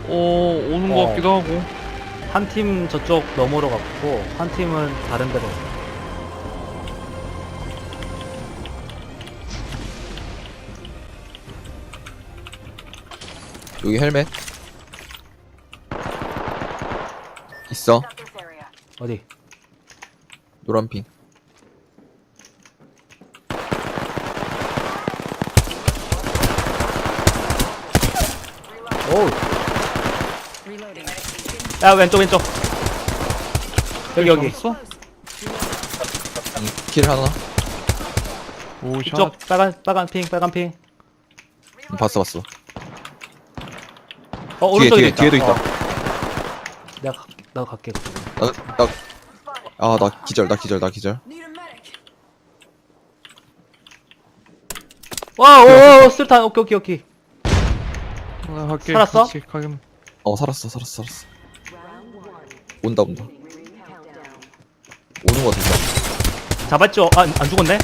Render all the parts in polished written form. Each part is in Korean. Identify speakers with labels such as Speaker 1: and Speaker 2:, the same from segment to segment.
Speaker 1: 오는 것 같기도 하고.
Speaker 2: 한 팀 저쪽 너머로 갔고 한 팀은 다른 데로.
Speaker 3: 여기 헬멧 있어.
Speaker 2: 어디?
Speaker 3: 노란핑.
Speaker 2: 오. 야 왼쪽. 여기.
Speaker 1: 잡았어?
Speaker 3: 킬 하나.
Speaker 1: 오, 샷.
Speaker 2: 이쪽 빨간 핑.
Speaker 3: 봤어.
Speaker 2: 오른쪽에 있다.
Speaker 3: 뒤에도 있다.
Speaker 2: 내가 갈게.
Speaker 3: 나 기절.
Speaker 2: 와, 술탄. 오케이.
Speaker 1: 나 갈게.
Speaker 2: 살았어?
Speaker 1: 같이 가긴.
Speaker 3: 살았어. 온다. 오는 거 같은데.
Speaker 2: 잡았죠? 안 죽었네?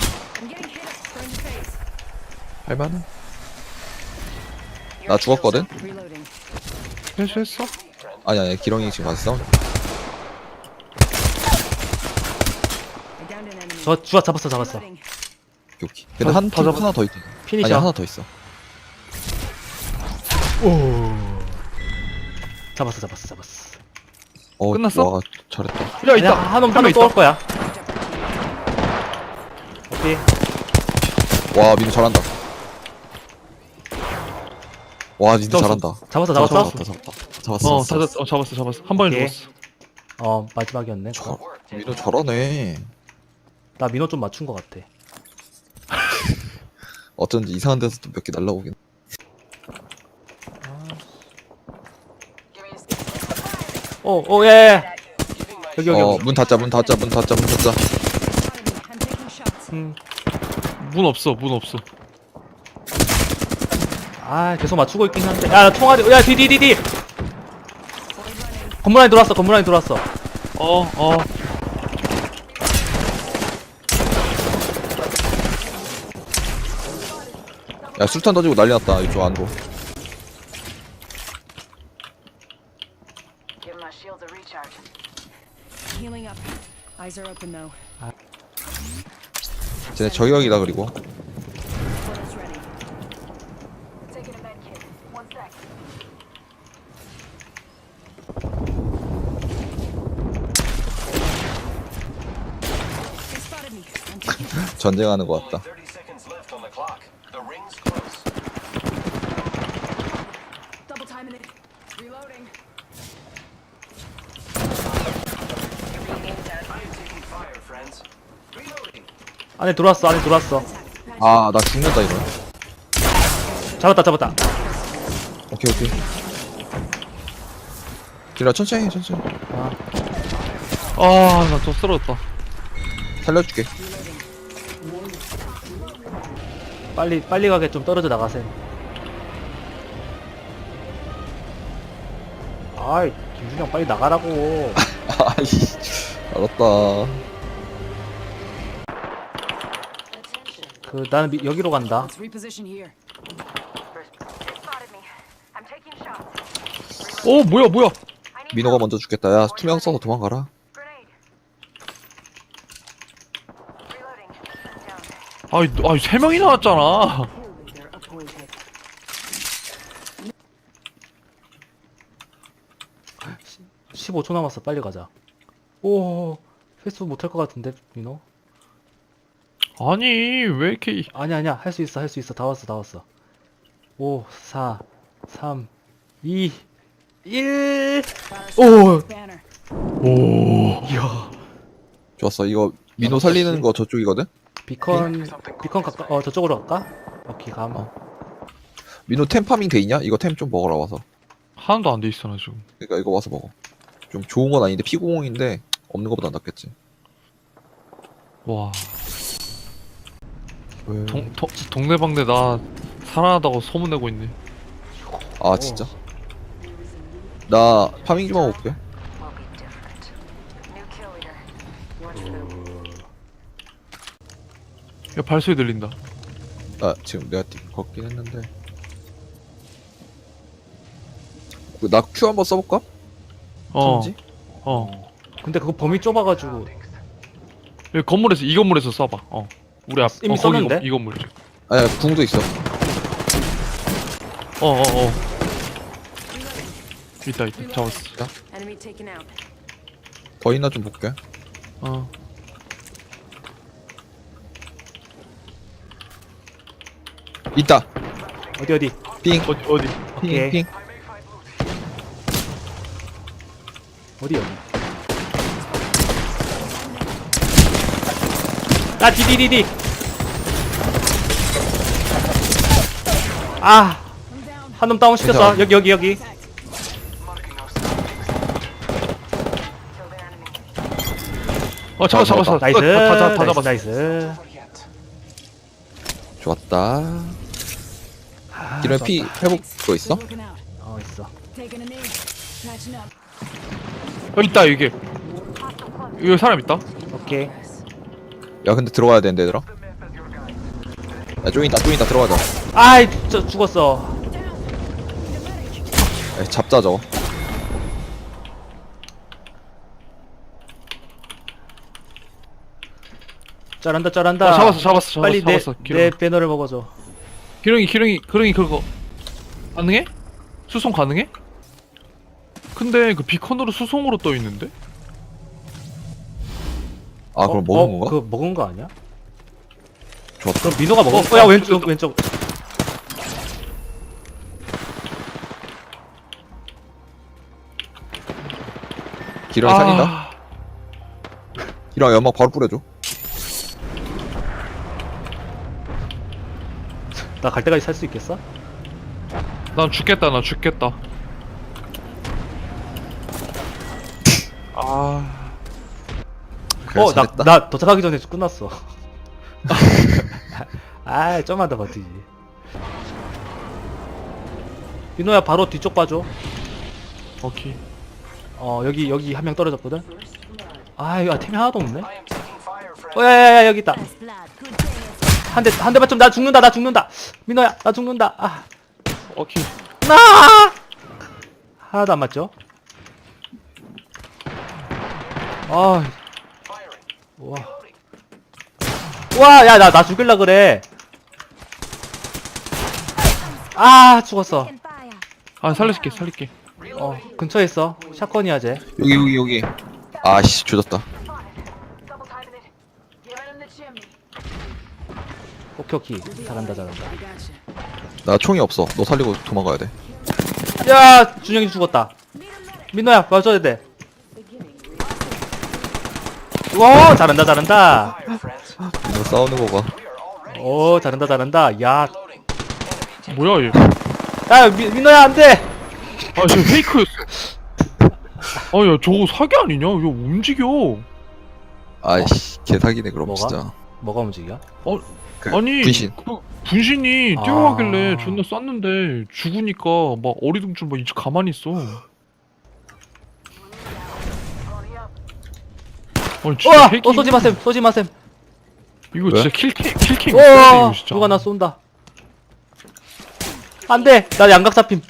Speaker 3: 할만해. 나 죽었거든?
Speaker 1: 회수했어?
Speaker 3: 아니, 기렁이 지금 가서 싸우네.
Speaker 2: 저 주아 잡았어.
Speaker 3: 오케이. 근데
Speaker 1: 다 잡았어.
Speaker 3: 하나 더 있대.
Speaker 2: 피니셔.
Speaker 3: 아니, 하나 더 있어.
Speaker 2: 잡았어.
Speaker 1: 끝났어?
Speaker 3: 와, 잘했다.
Speaker 1: 야, 있다.
Speaker 2: 한놈
Speaker 1: 명
Speaker 2: 또 올 거야. 오케이.
Speaker 3: 와, 민우 잘한다. 와, 민우 잘한다.
Speaker 2: 잡았어.
Speaker 3: 잡았어.
Speaker 1: 잡았어. 한 번에
Speaker 2: 오케이.
Speaker 1: 죽었어.
Speaker 2: 마지막이었네.
Speaker 3: 민우 잘하네.
Speaker 2: 나 민호 좀 맞춘 것 같아.
Speaker 3: 어쩐지 이상한 데서 또 몇 개 날라오긴.
Speaker 2: 예. 여기.
Speaker 3: 문 닫자.
Speaker 1: 문 없어.
Speaker 2: 계속 맞추고 있긴 한데. 야, 총알이. 야, 뒤. 건물 안에 들어왔어.
Speaker 3: 야, 술탄 던지고 난리 났다. 이쪽 안으로.
Speaker 4: Give my shields a recharge. Healing up. Eyes are open though.
Speaker 3: 쟤네 저격이다. 그리고
Speaker 4: Portal's ready. Taking a med kit. One sec. They spotted me. I'm taking
Speaker 3: 전쟁하는 것 같다.
Speaker 5: 30 seconds left on the clock. The ring's close.
Speaker 4: double timing it. Reloading.
Speaker 5: I am taking fire, friends. Reloading.
Speaker 2: 안에 들어왔어.
Speaker 3: 아, 나 죽는다 이거.
Speaker 2: 잡았다.
Speaker 3: 오케이. 기라 천천히.
Speaker 1: 나 또 쓰러졌다.
Speaker 3: 살려줄게.
Speaker 2: 빨리 가게 좀 떨어져 나가세요. 아이, 김준영 빨리 나가라고.
Speaker 3: 아이씨, 알았다.
Speaker 2: 나는 여기로 간다.
Speaker 4: Let's reposition here. Spotted me. I'm taking shots.
Speaker 1: 오, 뭐야?
Speaker 3: 민호가 먼저 죽겠다. 야, 투명 써서 도망가라.
Speaker 4: Grenade. Reloading. Down.
Speaker 1: 아이, 3명이 나왔잖아.
Speaker 4: They're appointed.
Speaker 2: 15초 남았어. 빨리 가자. 오, 회수 못할 것 같은데, 민호?
Speaker 1: 아니, 왜 이렇게.
Speaker 2: 아니야. 할 수 있어. 다 왔어. 5, 4, 3, 2, 1. 오!
Speaker 4: Banner.
Speaker 2: 이야.
Speaker 3: 좋았어. 이거 민호 살리는 거 저쪽이거든?
Speaker 2: 비컨 가까, 저쪽으로 갈까? 오케이, 감.
Speaker 3: 민호 템 파밍 돼 있냐? 이거 템 좀 먹으러 와서.
Speaker 1: 하나도 안 돼 있어, 나 지금.
Speaker 3: 그러니까 이거 와서 먹어. 좀 좋은 건 아닌데 피구공인데 없는 거보다 낫겠지.
Speaker 1: 와.
Speaker 3: 왜?
Speaker 1: 동네방네 나 살아나다고 소문내고 있네.
Speaker 3: 아, 진짜? 나 파밍 좀 하고 올게.
Speaker 4: Will be different. New kill leader. What's new?
Speaker 1: 야, 발소리 들린다.
Speaker 3: 아, 지금 내가 걷긴 했는데. 나 Q 한번 써볼까?
Speaker 1: 어.
Speaker 3: 지
Speaker 1: 어.
Speaker 2: 근데 그거 범위 좁아가지고.
Speaker 1: 여기 건물에서 이 건물에서 쏴봐. 어. 우리 앞
Speaker 2: 이미
Speaker 1: 거기
Speaker 2: 썼는데?
Speaker 1: 이 건물.
Speaker 3: 아니 궁도 있어.
Speaker 1: 어. 있다. 잡았어.
Speaker 4: Enemy taken out.
Speaker 3: 더 있나 좀 볼게.
Speaker 1: 어.
Speaker 3: 있다.
Speaker 2: 어디.
Speaker 3: 핑.
Speaker 1: 어디?
Speaker 2: 오케이.
Speaker 3: 핑.
Speaker 2: 어디. 아, 디디디디. 아. 한 놈 다운 시켰어.
Speaker 3: 괜찮아.
Speaker 2: 여기.
Speaker 4: Kill their enemy.
Speaker 1: 어, 잡았어.
Speaker 2: 나이스.
Speaker 1: 다 잡았어.
Speaker 2: 나이스.
Speaker 3: 좋았다.
Speaker 2: 아,
Speaker 3: 기름에 피 회복 그거 있어?
Speaker 6: Looking out.
Speaker 2: 있어.
Speaker 6: Taking a knee. Patching up.
Speaker 1: 여기 있다, 이게. 여기 사람 있다.
Speaker 2: 오케이.
Speaker 3: 야 근데 들어가야 되는데 얘들아. 야 좀 있다 들어가자.
Speaker 2: 아이, 저 죽었어.
Speaker 3: 야, 잡자 저거.
Speaker 2: 잘한다.
Speaker 1: 잡았어.
Speaker 2: 빨리
Speaker 1: 잡았어.
Speaker 2: 내 배너를 먹어줘.
Speaker 1: 기렁이 그거 가능해? 수송 가능해? 근데 그 비컨으로 수송으로 떠 있는데?
Speaker 3: 아 그럼 먹은 건가?
Speaker 2: 그거 먹은 거 아니야?
Speaker 3: 좋았다.
Speaker 2: 그럼 민호가 먹었어. 야, 왼쪽.
Speaker 3: 기름이 살린다. 기름 연막 바로 뿌려줘.
Speaker 2: 나 갈 때까지 살 수 있겠어?
Speaker 1: 난 죽겠다.
Speaker 3: 그래, 잘했다.
Speaker 2: 나 도착하기 전에 끝났어. 아, 좀만 더 버티지. 민호야, 바로 뒤쪽 봐줘.
Speaker 1: 오케이.
Speaker 2: 여기 한 명 떨어졌거든? 아, 이거 템이 하나도 없네?
Speaker 5: I am taking fire, friends.
Speaker 2: 야야야, 여기 있다.
Speaker 6: First blood. Good thing.
Speaker 2: 한 대만 좀, 나 죽는다. 민호야, 나 죽는다. 아,
Speaker 1: 오케이.
Speaker 2: 하나도 안 맞죠? 아,
Speaker 5: Firing.
Speaker 2: 와. 와, 야, 나 죽일라 그래. 아, 죽었어.
Speaker 4: Taking fire.
Speaker 1: 아, 살릴게.
Speaker 2: 근처에 있어. 샷건이야, 쟤.
Speaker 3: 여기. 아씨 조졌다.
Speaker 4: Double timing it. Give him the chimney.
Speaker 2: 오케이. 잘한다.
Speaker 6: We got you.
Speaker 3: 나 총이 없어. 너 살리고 도망가야 돼.
Speaker 2: 야, 준영이 죽었다. 민호야, 맞춰야 돼. 와, 잘한다.
Speaker 5: Fire, friends.
Speaker 3: 너 싸우는 거 봐.
Speaker 5: We are already
Speaker 2: 오, 잘한다. 야,
Speaker 5: loading. Enemy taking
Speaker 1: 뭐야, 얘.
Speaker 2: 야, 민호야, 안 돼.
Speaker 1: 아, 쟤 페이크였어. 아, 야, 저거 사기 아니냐? 야, 움직여.
Speaker 3: 아이씨 개사기네 그럼
Speaker 2: 뭐가?
Speaker 3: 진짜.
Speaker 2: 뭐가 움직여?
Speaker 3: 그
Speaker 1: 아니,
Speaker 3: 분신.
Speaker 1: 그 분신이
Speaker 2: 아.
Speaker 1: 뛰어가길래 존나 쐈는데 죽으니까 막 어리둥절 막 이제 가만히 있어. 아니, 진짜
Speaker 2: 우와,
Speaker 1: 핵이
Speaker 2: 쏘지 마셈.
Speaker 1: 이거
Speaker 3: 왜?
Speaker 1: 진짜 킬캠 있어야 돼,
Speaker 2: 우와,
Speaker 1: 이거 진짜.
Speaker 2: 누가 나 쏜다. 안 돼, 나 양각 잡힘.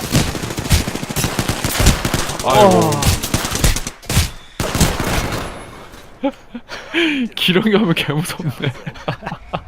Speaker 1: 아이고. 기렁이 하면 개무섭네.